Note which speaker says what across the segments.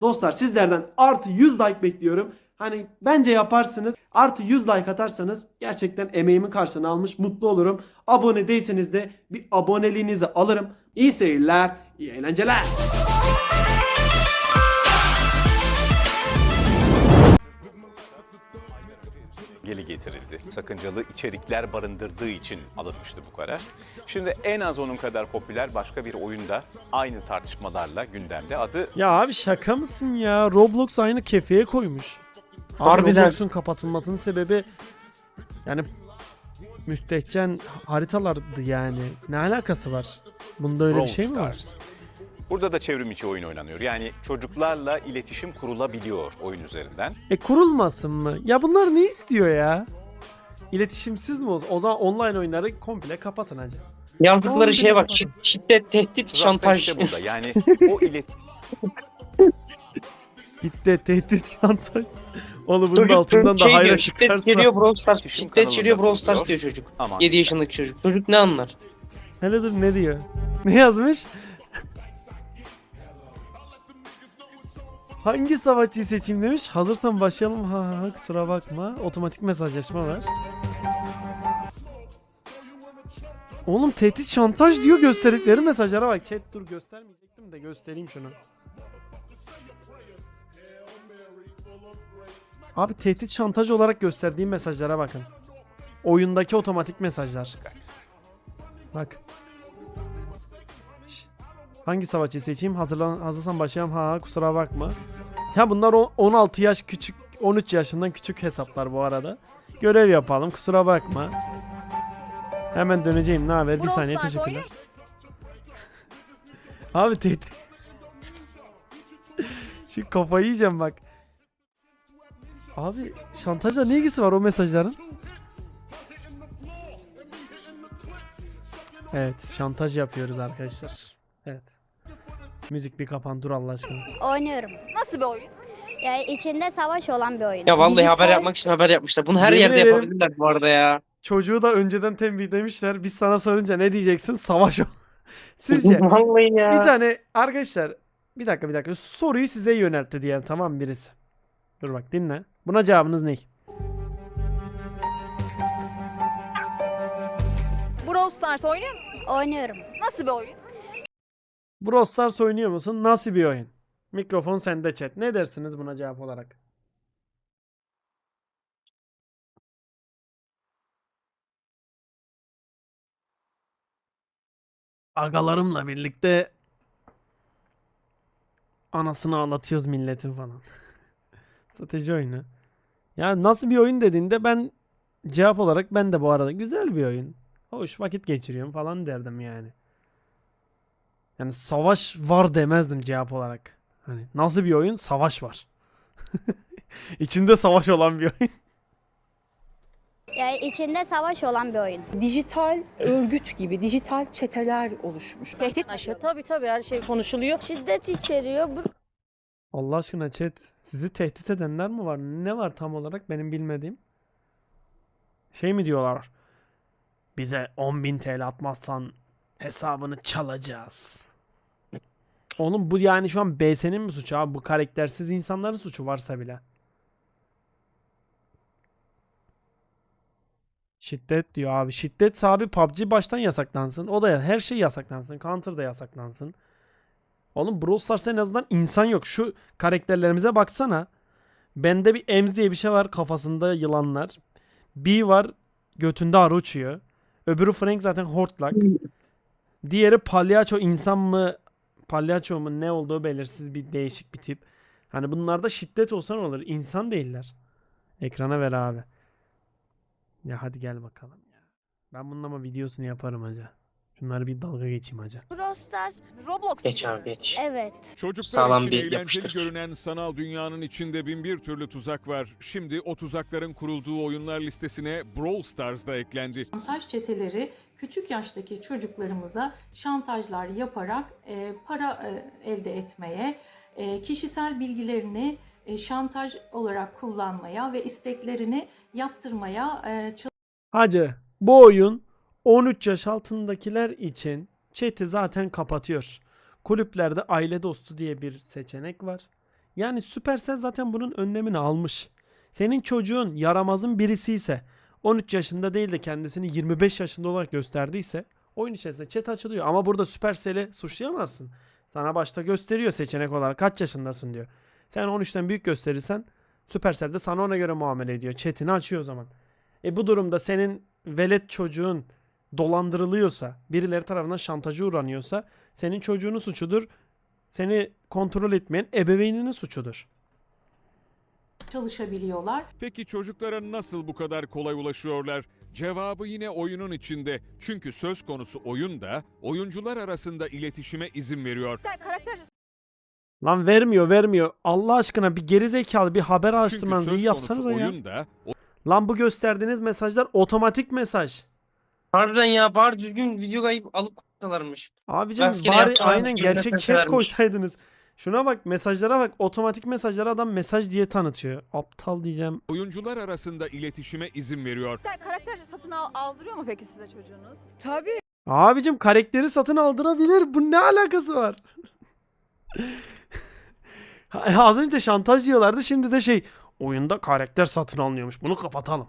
Speaker 1: Dostlar sizlerden artı 100 like bekliyorum. Hani bence yaparsınız. Artı 100 like atarsanız gerçekten emeğimin karşılığını almış mutlu olurum. Abone değilseniz de bir aboneliğinizi alırım. İyi seyirler, iyi eğlenceler.
Speaker 2: Geri getirildi. Sakıncalı içerikler barındırdığı için alınmıştı bu karar. Şimdi en az onun kadar popüler başka bir oyunda aynı tartışmalarla gündemde. Adı
Speaker 3: Ya abi şaka mısın ya? Roblox aynı kefeye koymuş. Abi
Speaker 4: Harbiden.
Speaker 3: Roblox'un kapatılmasının sebebi yani müstehcen haritalardı yani. Ne alakası var? Bunda öyle bir
Speaker 2: Brawl
Speaker 3: şey mi var?
Speaker 2: Stars. Burada da çevrim içi oyun oynanıyor. Yani çocuklarla iletişim kurulabiliyor oyun üzerinden.
Speaker 3: Kurulmasın mı? Ya bunlar ne istiyor ya? İletişimsiz mi olsun? O zaman online oyunları komple kapatın hacı.
Speaker 4: Yazdıkları şeye bak.
Speaker 3: Kapatın.
Speaker 4: Şiddet, tehdit,
Speaker 2: Tuzak da
Speaker 4: şantaj.
Speaker 2: işte burada. Yani o
Speaker 3: Bitti tehdit şantaj. Oğlum bunun
Speaker 4: Çocuk
Speaker 3: altından da
Speaker 4: şey
Speaker 3: hayra
Speaker 4: diyor, şiddet
Speaker 3: çıkarsa.
Speaker 4: geliyor Brawl Stars.
Speaker 2: İletişim
Speaker 4: Şiddet geliyor
Speaker 2: kanalında
Speaker 4: Brawl Stars
Speaker 2: kuruluyor.
Speaker 4: diyor çocuk.
Speaker 2: Aman
Speaker 4: 7 yaşındaki çocuk. Çocuk ne anlar?
Speaker 3: Hele dur ne diyor? Ne yazmış? Hangi savaşçıyı seçeyim demiş. Hazırsan başlayalım. Ha kusura bakma. Otomatik mesajlaşma var. Oğlum tehdit şantaj diyor gösterdikleri mesajlara bak. Chat dur göstermeyecektim de göstereyim şunu. Abi tehdit şantaj olarak gösterdiğim mesajlara bakın. Oyundaki otomatik mesajlar. Bak. Hangi savaşçıyı seçeyim? Hazırsan başlayalım. Ha kusura bakma. Ya bunlar 16 yaş küçük, 13 yaşından küçük hesaplar bu arada. Görev yapalım. Kusura bakma. Hemen döneceğim. Ne haber? Bir saniye teşekkürler. Abi tehdit. Şu kafayı yiyeceğim bak. Abi şantajla ne ilgisi var o mesajların? Evet şantaj yapıyoruz arkadaşlar. Evet. Müzik bir kapan dur Allah aşkına.
Speaker 5: Oynuyorum.
Speaker 6: Nasıl bir oyun?
Speaker 5: Yani içinde savaş olan bir oyun.
Speaker 4: Ya vallahi
Speaker 5: Dijital-
Speaker 4: haber yapmak için haber yapmışlar. Bunu her
Speaker 3: Yemin
Speaker 4: yerde
Speaker 3: ederim.
Speaker 4: yapabilirler bu arada ya.
Speaker 3: Çocuğu da önceden tembihlemişler. Biz sana sorunca ne diyeceksin? Savaş o. Sizce
Speaker 4: Vallahi ya.
Speaker 3: bir tane arkadaşlar bir dakika soruyu size yöneltti diyelim tamam mı birisi? Dur bak dinle. Buna cevabınız ne?
Speaker 6: Brawl Stars oynuyor musun?
Speaker 5: Oynuyorum.
Speaker 6: Nasıl bir oyun?
Speaker 3: Brawl Stars oynuyor musun? Nasıl bir oyun? Mikrofon sende chat. Ne dersiniz buna cevap olarak? Agalarımla birlikte anasını ağlatıyoruz milletin falan. Strateji oyunu. Ya nasıl bir oyun dediğinde ben cevap olarak ben de bu arada güzel bir oyun. Hoş vakit geçiriyorum falan derdim yani. Yani savaş var demezdim cevap olarak. Hani nasıl bir oyun? Savaş var. İçinde savaş olan bir oyun.
Speaker 5: Yani içinde savaş olan bir oyun.
Speaker 7: Dijital örgüt gibi dijital çeteler oluşmuş.
Speaker 6: Tehdit mi?
Speaker 7: Aşağı tabii her şey konuşuluyor.
Speaker 5: Şiddet içeriyor.
Speaker 3: Allah aşkına chat. Sizi tehdit edenler mi var? Ne var tam olarak benim bilmediğim? Şey mi diyorlar? Bize 10.000 TL atmazsan hesabını çalacağız. Oğlum bu yani şu an BS'nin mi suçu abi? Bu karaktersiz insanların suçu varsa bile. Şiddet diyor abi. Şiddet abi PUBG baştan yasaklansın. O da her şey yasaklansın. Counter da yasaklansın. Oğlum Brawl Stars'ta en azından insan yok. Şu karakterlerimize baksana. Bende bir Ems diye bir şey var. Kafasında yılanlar. B var. Götünde arı uçuyor. Öbürü Frank zaten hortlak. Diğeri palyaço insan mı? Palyaço mu? Ne olduğu belirsiz bir değişik bir tip. Hani bunlarda şiddet olsa ne olur? İnsan değiller. Ekrana ver abi. Ya hadi gel bakalım ya. Ben bunun ama videosunu yaparım hacı. Şunları bir dalga geçeyim hacı.
Speaker 5: Brawl Stars.
Speaker 6: Roblox.
Speaker 4: Geç abi geç.
Speaker 5: Evet.
Speaker 8: Çocuklar
Speaker 4: Sağlam
Speaker 8: için
Speaker 4: bir
Speaker 8: eğlenceli
Speaker 4: yapıştır.
Speaker 8: görünen sanal dünyanın içinde bin bir türlü tuzak var. Şimdi o tuzakların kurulduğu oyunlar listesine Brawl Stars da eklendi.
Speaker 9: Şantaj çeteleri küçük yaştaki çocuklarımıza şantajlar yaparak para elde etmeye, kişisel bilgilerini şantaj olarak kullanmaya ve isteklerini yaptırmaya
Speaker 3: Hacı bu oyun 13 yaş altındakiler için chat'i zaten kapatıyor. Kulüplerde aile dostu diye bir seçenek var. Yani Supercell zaten bunun önlemini almış. Senin çocuğun yaramazın birisi ise 13 yaşında değil de kendisini 25 yaşında olarak gösterdiyse oyun içerisinde chat açılıyor. Ama burada Supercell'i suçlayamazsın. Sana başta gösteriyor seçenek olarak kaç yaşındasın diyor. Sen 13'ten büyük gösterirsen Supercell de sana ona göre muamele ediyor. Chat'ini açıyor o zaman. Bu durumda senin velet çocuğun dolandırılıyorsa, birileri tarafından şantaja uğranıyorsa senin çocuğunun suçudur. Seni kontrol etmeyen ebeveyninin suçudur.
Speaker 9: çalışabiliyorlar.
Speaker 8: Peki çocuklara nasıl bu kadar kolay ulaşıyorlar? Cevabı yine oyunun içinde. Çünkü söz konusu oyun da oyuncular arasında iletişime izin veriyor.
Speaker 6: Karakter
Speaker 3: Lan vermiyor. Allah aşkına bir gerizekalı bir haber
Speaker 8: Çünkü
Speaker 3: araştırmanızı iyi
Speaker 8: söz
Speaker 3: yapsanız
Speaker 8: konusu
Speaker 3: ya.
Speaker 8: oyun da
Speaker 3: Lan bu gösterdiğiniz mesajlar otomatik mesaj.
Speaker 4: Harbiden ya, bari düzgün video kayıp alıp koysalarmış.
Speaker 3: Abicim
Speaker 4: Rastgele
Speaker 3: bari
Speaker 4: yapsalarmış
Speaker 3: aynen
Speaker 4: gibi
Speaker 3: gerçek
Speaker 4: mesaj
Speaker 3: chat
Speaker 4: vermiş.
Speaker 3: koysaydınız. Şuna bak, mesajlara bak. Otomatik mesajlara adam mesaj diye tanıtıyor. Aptal diyeceğim.
Speaker 8: oyuncular arasında iletişime izin veriyor.
Speaker 6: karakter satın aldırıyor mu peki size çocuğunuz?
Speaker 7: Tabii.
Speaker 3: Abicim karakteri satın aldırabilir. Bu ne alakası var? Az önce şantaj diyorlardı. Şimdi de oyunda karakter satın alınıyormuş. Bunu kapatalım.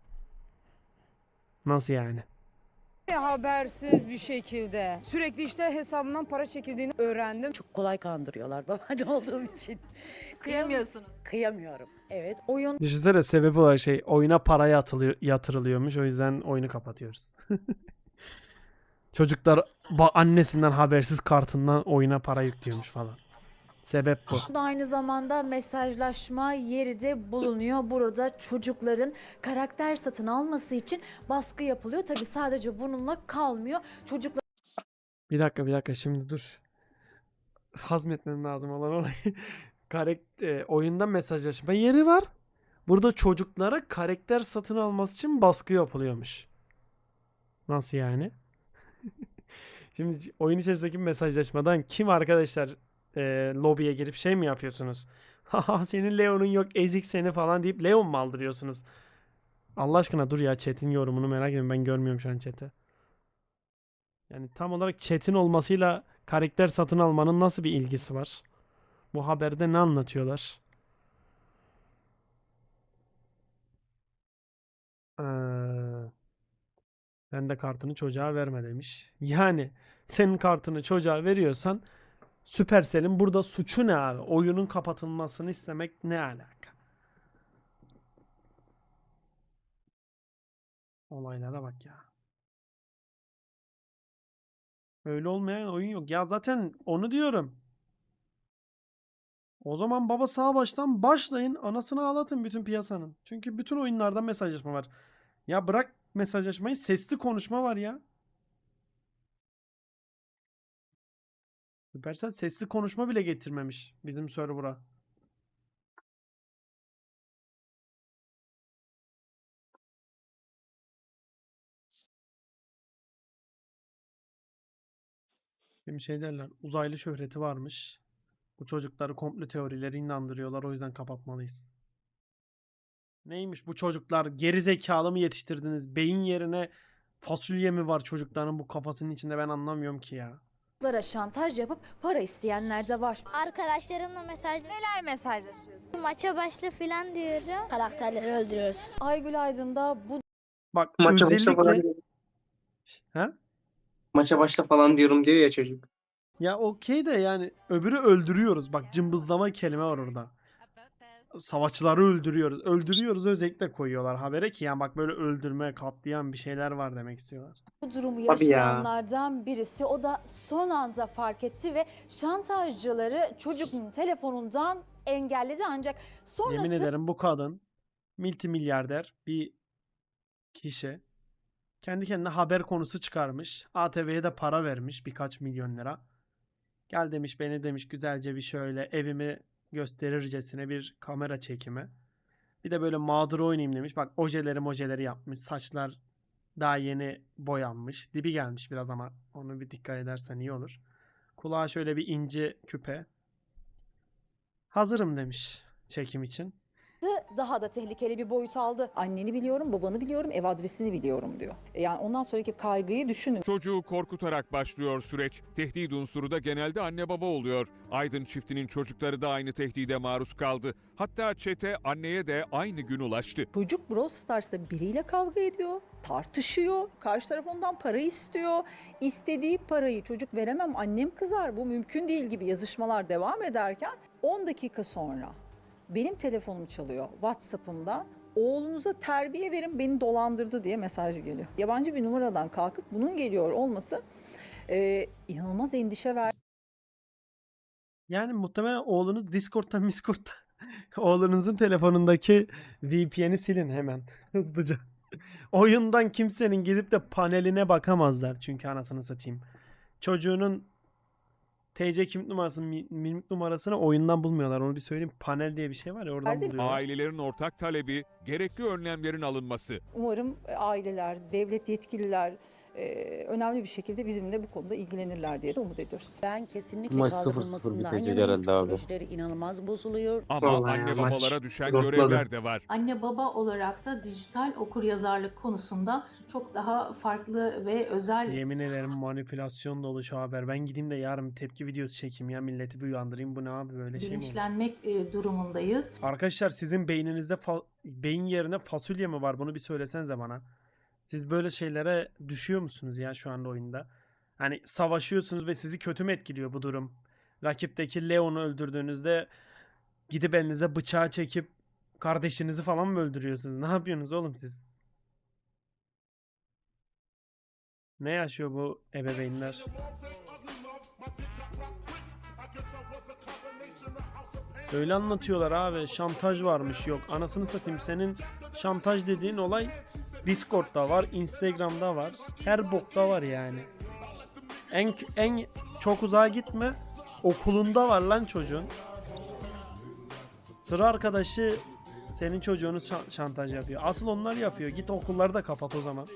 Speaker 3: Nasıl yani?
Speaker 7: Habersiz bir şekilde. Sürekli işte hesabımdan para çekildiğini öğrendim. Çok kolay kandırıyorlar babaanne olduğum için.
Speaker 6: Kıyamıyorsunuz.
Speaker 7: Kıyamıyorum. Evet. Oyun
Speaker 3: Düşünsene sebebi olarak oyuna para yatırılıyormuş. O yüzden oyunu kapatıyoruz. Çocuklar annesinden habersiz kartından oyuna para yüklüyormuş falan. Sebep bu.
Speaker 10: Bu da aynı zamanda mesajlaşma yeri de bulunuyor. Burada çocukların karakter satın alması için baskı yapılıyor. Tabii sadece bununla kalmıyor. Çocuklar
Speaker 3: Bir dakika şimdi dur. Hazmetmem lazım olan olayı. Oyunda mesajlaşma yeri var. Burada çocuklara karakter satın alması için baskı yapılıyormuş. Nasıl yani? Şimdi oyun içerisindeki mesajlaşmadan kim arkadaşlar lobiye girip mi yapıyorsunuz? Haha senin Leon'un yok ezik seni falan deyip Leon mu aldırıyorsunuz? Allah aşkına dur ya, chat'in yorumunu merak ediyorum, ben görmüyorum şu an chat'i. Yani tam olarak chat'in olmasıyla karakter satın almanın nasıl bir ilgisi var? Bu haberde ne anlatıyorlar? Sen de kartını çocuğa verme demiş. Yani senin kartını çocuğa veriyorsan Supercell'in burada suçu ne abi? Oyunun kapatılmasını istemek ne alaka? Olaylara bak ya. Öyle olmayan oyun yok. Ya zaten onu diyorum. O zaman baba sağ baştan başlayın. Anasını ağlatın bütün piyasanın. Çünkü bütün oyunlarda mesajlaşma var. Ya bırak mesajlaşmayı, sesli konuşma var ya. Supercell sesli konuşma bile getirmemiş bizim server'a. Şimdi derler, uzaylı şöhreti varmış. Bu çocukları komplo teorileri inandırıyorlar, o yüzden kapatmalıyız. Neymiş bu çocuklar? Geri zekalı mı yetiştirdiniz? Beyin yerine fasulye mi var çocukların bu kafasının içinde, ben anlamıyorum ki ya.
Speaker 10: şantaj yapıp para isteyenler de var.
Speaker 5: Arkadaşlarımla
Speaker 6: Neler mesajlaşıyorsunuz?
Speaker 5: maça başla falan diyorum. Karakterleri öldürüyoruz.
Speaker 10: Aygül Aydın da bu
Speaker 3: Bak
Speaker 4: Maça başla falan,
Speaker 3: özellikle... Ha?
Speaker 4: maça başla falan diyorum diyor ya çocuk.
Speaker 3: Ya okey de yani öbürü öldürüyoruz. Bak cımbızlama kelime var orada. Savaşçıları öldürüyoruz. Öldürüyoruz özellikle koyuyorlar habere ki yani bak böyle öldürme, katlayan bir şeyler var demek istiyorlar.
Speaker 10: durumu
Speaker 4: Tabii ya.
Speaker 10: yaşayanlardan birisi. O da son anda fark etti ve şantajcıları çocuğun telefonundan engelledi, ancak
Speaker 3: Yemin
Speaker 10: sonrası
Speaker 3: ederim bu kadın multimilyarder bir kişi. Kendi kendine haber konusu çıkarmış. ATV'ye de para vermiş birkaç milyon lira. Gel demiş, beni demiş güzelce bir şöyle evimi gösterircesine bir kamera çekimi. Bir de böyle mağdur oynayayım demiş. Bak ojeleri yapmış. Saçlar daha yeni boyanmış. Dibi gelmiş biraz ama onu bir dikkat edersen iyi olur. Kulağa şöyle bir ince küpe. Hazırım demiş çekim için.
Speaker 10: daha da tehlikeli bir boyut aldı.
Speaker 7: Anneni biliyorum, babanı biliyorum, ev adresini biliyorum diyor. Yani ondan sonraki kaygıyı düşünün.
Speaker 8: Çocuğu korkutarak başlıyor süreç. Tehdit unsuru da genelde anne baba oluyor. Aydın çiftinin çocukları da aynı tehdide maruz kaldı. Hatta çete anneye de aynı gün ulaştı.
Speaker 7: Çocuk Brawl Stars'ta biriyle kavga ediyor, tartışıyor, karşı taraf ondan para istiyor. İstediği parayı çocuk veremem, annem kızar, bu mümkün değil gibi yazışmalar devam ederken 10 dakika sonra benim telefonum çalıyor WhatsApp'ımdan. Oğlunuza terbiye verin, beni dolandırdı diye mesaj geliyor. Yabancı bir numaradan kalkıp bunun geliyor olması inanılmaz endişe verdi.
Speaker 3: Yani muhtemelen oğlunuz Discord'da oğlunuzun telefonundaki VPN'i silin hemen hızlıca. Oyundan kimsenin gidip de paneline bakamazlar çünkü anasını satayım. Çocuğunun TC kimlik numarasını, mimlik numarasını oyundan bulmuyorlar. Onu bir söyleyeyim. Panel diye bir şey var ya oradan
Speaker 7: Nerede?
Speaker 3: buluyorlar.
Speaker 8: Ailelerin ortak talebi gerekli önlemlerin alınması.
Speaker 7: Umarım aileler, devlet yetkililer önemli bir şekilde bizimle bu konuda ilgilenirler diye de umut ediyoruz.
Speaker 11: Ben kesinlikle
Speaker 12: Maç 0-0
Speaker 11: kaldırılmasından
Speaker 12: bitecek
Speaker 11: yanayım.
Speaker 12: herhalde abi.
Speaker 11: Psikolojileri inanılmaz bozuluyor.
Speaker 8: Ama
Speaker 12: Vallahi
Speaker 8: anne
Speaker 12: ya, maç
Speaker 8: babalara düşen
Speaker 12: rotladı.
Speaker 8: görevler de var.
Speaker 9: Anne baba olarak da dijital okuryazarlık konusunda çok daha farklı ve özel
Speaker 3: Yemin ederim manipülasyon dolu şu haber. Ben gideyim de yarın bir tepki videosu çekeyim ya milleti bir uyandırayım. Bu ne abi böyle şey mi olur?
Speaker 9: bilinçlenmek durumundayız.
Speaker 3: Arkadaşlar sizin beyninizde beyin yerine fasulye mi var? Bunu bir söylesenize bana. Siz böyle şeylere düşüyor musunuz ya şu anda oyunda? Hani savaşıyorsunuz ve sizi kötü mü etkiliyor bu durum? Rakipteki Leon'u öldürdüğünüzde gidip elinize bıçağı çekip kardeşinizi falan mı öldürüyorsunuz? Ne yapıyorsunuz oğlum siz? Ne yaşıyor bu ebeveynler? Öyle anlatıyorlar abi. Şantaj varmış. Yok anasını satayım, senin şantaj dediğin olay Discord'da var, Instagram'da var. Her bokta var yani. En çok uzağa gitme. Okulunda var lan çocuğun. Sıra arkadaşı senin çocuğunu şantaj yapıyor. Asıl onlar yapıyor. Git okulları da kapat o zaman.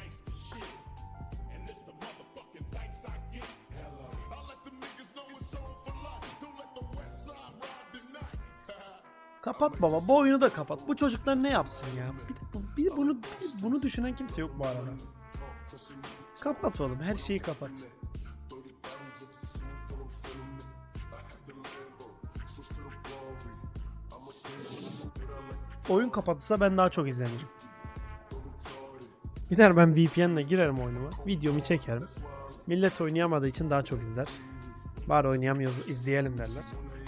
Speaker 3: Kapat baba. Bu oyunu da kapat. Bu çocuklar ne yapsın ya? Bunu düşünen kimse yok bu arada. Kapat oğlum. Her şeyi kapat. Oyun kapatılsa ben daha çok izlenirim. Gider ben VPN'le girerim oyunuma. Videomu çekerim. Millet oynayamadığı için daha çok izler. Bari oynayamıyoruz, izleyelim derler.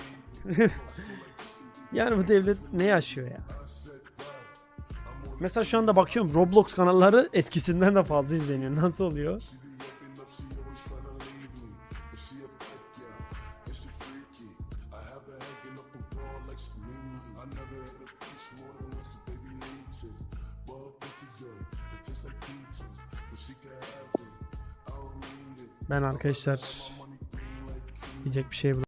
Speaker 3: Yani bu devlet ne yaşıyor ya? Mesela şu anda bakıyorum Roblox kanalları eskisinden de fazla izleniyor. Nasıl oluyor? Ben arkadaşlar diyecek bir şey